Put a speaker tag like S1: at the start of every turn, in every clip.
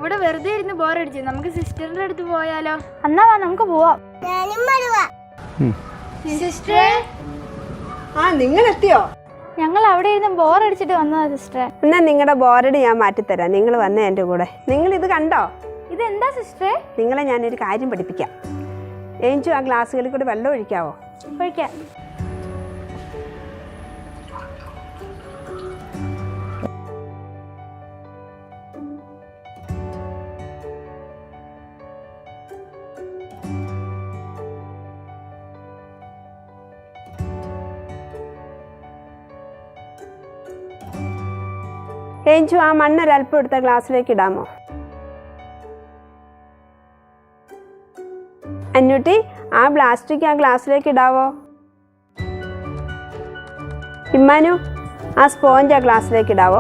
S1: ഇവിടെ വെറുതെ ഇരുന്ന് ബോറടിച്ചു. നമുക്ക് സിസ്റ്ററിന്റെ അടുത്ത് പോയാലോ?
S2: എന്നാ വാ നമുക്ക് പോവാം.
S1: സിസ്റ്ററെ,
S3: നിങ്ങൾ എത്തിയോ?
S2: ഞങ്ങൾ അവിടെ ഇരുന്ന് ബോറടിച്ചിട്ട് വന്നതാ സിസ്റ്ററെ.
S3: എന്നാ നിങ്ങളുടെ ബോറടി ഞാൻ മാറ്റിത്തരാം. നിങ്ങൾ വന്നേ എൻ്റെ കൂടെ. നിങ്ങൾ ഇത് കണ്ടോ?
S2: ഇതെന്താ സിസ്റ്ററെ?
S3: നിങ്ങളെ ഞാനൊരു കാര്യം പഠിപ്പിക്കാം. ഏഞ്ചു ആ ഗ്ലാസ്സുകളിൽ കൂടെ വെള്ളം ഒഴിക്കാവോ?
S2: ഒഴിക്കാം.
S3: ഏഞ്ചു ആ മണ്ണൊരൽപ്പം എടുത്ത ഗ്ലാസ്സിലേക്ക് ഇടാമോ? അന്നൂട്ടി ആ പ്ലാസ്റ്റിക് ആ ഗ്ലാസ്സിലേക്ക് ഇടാവോ? ഇമ്മാനു ആ സ്പോഞ്ച് ആ ഗ്ലാസ്സിലേക്ക് ഇടാവോ?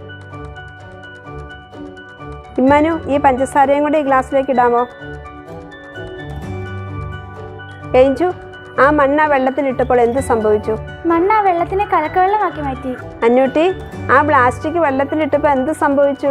S3: ഇമ്മാനു ഈ പഞ്ചസാരയും കൂടി ഈ ഗ്ലാസ്സിലേക്ക് ഇടാമോ? ഏഞ്ചു ആ മണ്ണ വെള്ളത്തിലിട്ടപ്പോൾ എന്ത് സംഭവിച്ചു?
S2: മണ്ണ വെള്ളത്തിനെ കലക്കവെള്ളമാക്കി മാറ്റി.
S3: അന്നൂട്ടി ആ പ്ലാസ്റ്റിക് വെള്ളത്തിലിട്ടപ്പോൾ എന്ത് സംഭവിച്ചു?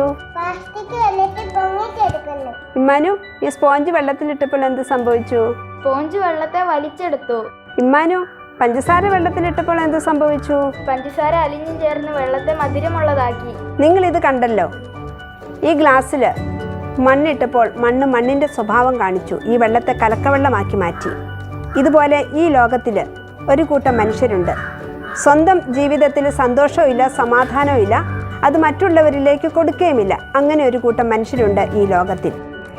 S3: ഇമ്മാനു ഈ സ്പോഞ്ച് വെള്ളത്തിലിട്ടപ്പോൾ എന്ത് സംഭവിച്ചു?
S1: സ്പോഞ്ച് വെള്ളത്തെ വലിച്ചെടുത്തു.
S3: ഇമ്മാനു പഞ്ചസാര വെള്ളത്തിലിട്ടപ്പോൾ എന്ത് സംഭവിച്ചു?
S1: പഞ്ചസാര അലിഞ്ഞു ചേർന്ന് വെള്ളത്തെ മധുരമുള്ളതാക്കി.
S3: നിങ്ങൾ ഇത് കണ്ടല്ലോ. ഈ ഗ്ലാസ്സിൽ മണ്ണിട്ടപ്പോൾ മണ്ണിൻ്റെ സ്വഭാവം കാണിച്ചു. ഈ വെള്ളത്തെ കലക്കവെള്ളമാക്കി മാറ്റി. ഇതുപോലെ ഈ ലോകത്തിൽ ഒരു കൂട്ടം മനുഷ്യരുണ്ട്. സ്വന്തം ജീവിതത്തിൽ സന്തോഷവും ഇല്ല, സമാധാനവും ഇല്ല, അത് മറ്റുള്ളവരിലേക്ക് കൊടുക്കുകയുമില്ല. അങ്ങനെ ഒരു കൂട്ടം മനുഷ്യരുണ്ട് ഈ ലോകത്തിൽ.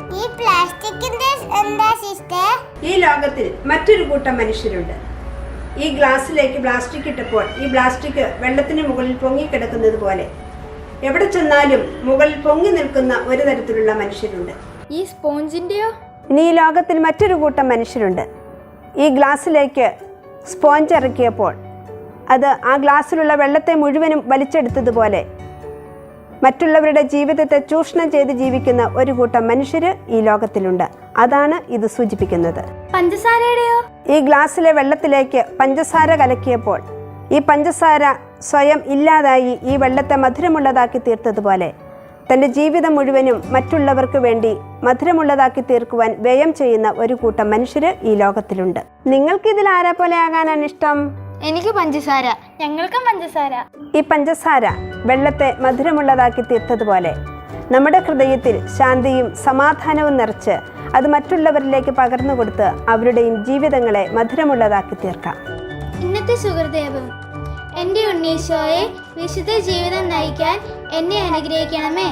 S3: ഈ ലോകത്തിൽ മറ്റൊരു കൂട്ടം മനുഷ്യരുണ്ട്. ഈ ഗ്ലാസ്സിലേക്ക് പ്ലാസ്റ്റിക് ഇട്ടപ്പോൾ ഈ പ്ലാസ്റ്റിക് വെള്ളത്തിന് മുകളിൽ പൊങ്ങിക്കിടക്കുന്നത് പോലെ എവിടെ ചെന്നാലും മുകളിൽ പൊങ്ങി നിൽക്കുന്ന ഒരു തരത്തിലുള്ള മനുഷ്യരുണ്ട്.
S1: ഈ സ്പോഞ്ചിന്റെയോ?
S3: ഇനി ഈ ലോകത്തിൽ മറ്റൊരു കൂട്ടം മനുഷ്യരുണ്ട്. ഈ ഗ്ലാസ്സിലേക്ക് സ്പോഞ്ച് ഇറക്കിയപ്പോൾ അത് ആ ഗ്ലാസ്സിലുള്ള വെള്ളത്തെ മുഴുവനും വലിച്ചെടുത്തതുപോലെ മറ്റുള്ളവരുടെ ജീവിതത്തെ ചൂഷണം ചെയ്ത് ജീവിക്കുന്ന ഒരു കൂട്ടം മനുഷ്യർ ഈ ലോകത്തിലുണ്ട്. അതാണ് ഇത് സൂചിപ്പിക്കുന്നത്.
S2: പഞ്ചസാരയുടെയോ?
S3: ഈ ഗ്ലാസ്സിലെ വെള്ളത്തിലേക്ക് പഞ്ചസാര കലക്കിയപ്പോൾ ഈ പഞ്ചസാര സ്വയം ഇല്ലാതായി ഈ വെള്ളത്തെ മധുരമുള്ളതാക്കി തീർത്തതുപോലെ തൻ്റെ ജീവിതം മുഴുവനും മറ്റുള്ളവർക്ക് വേണ്ടി മധുരമുള്ളതാക്കി തീർക്കുവാൻ വ്യയം ചെയ്യുന്ന ഒരു കൂട്ടം മനുഷ്യർ ഈ ലോകത്തിലുണ്ട്. നിങ്ങൾക്ക് ഇതിൽ ആരെ പോലെ ആകാനാണ് ഇഷ്ടം?
S1: എനിക്ക് പഞ്ചസാര.
S2: ഞങ്ങൾക്കും പഞ്ചസാര.
S3: ഈ പഞ്ചസാര വെള്ളത്തെ മധുരമുള്ളതാക്കി തീർത്തതുപോലെ നമ്മുടെ ഹൃദയത്തിൽ ശാന്തിയും സമാധാനവും നിറച്ച് അത് മറ്റുള്ളവരിലേക്ക് പകർന്നു കൊടുത്ത് അവരുടെയും ജീവിതങ്ങളെ മധുരമുള്ളതാക്കി തീർക്കാം.
S4: ഇന്നത്തെ സുഹൃദേവം: എൻ്റെ ഉണ്ണീശോയെ, വിശുദ്ധ ജീവിതം നയിക്കാൻ എന്നെ അനുഗ്രഹിക്കണമേ.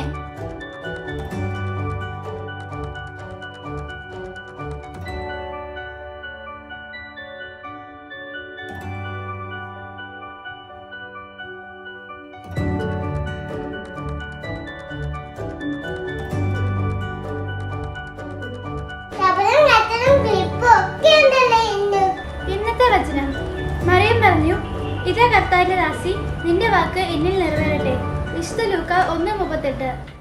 S4: ഇന്നത്തെ വചനം: മറിയം പറഞ്ഞു, ഇതാ കർത്താവിന്റെ ദാസി, നിന്റെ വാക്ക് എന്നിൽ നിറവേറട്ടെ. വിശുദ്ധ ലൂക്ക 1:38.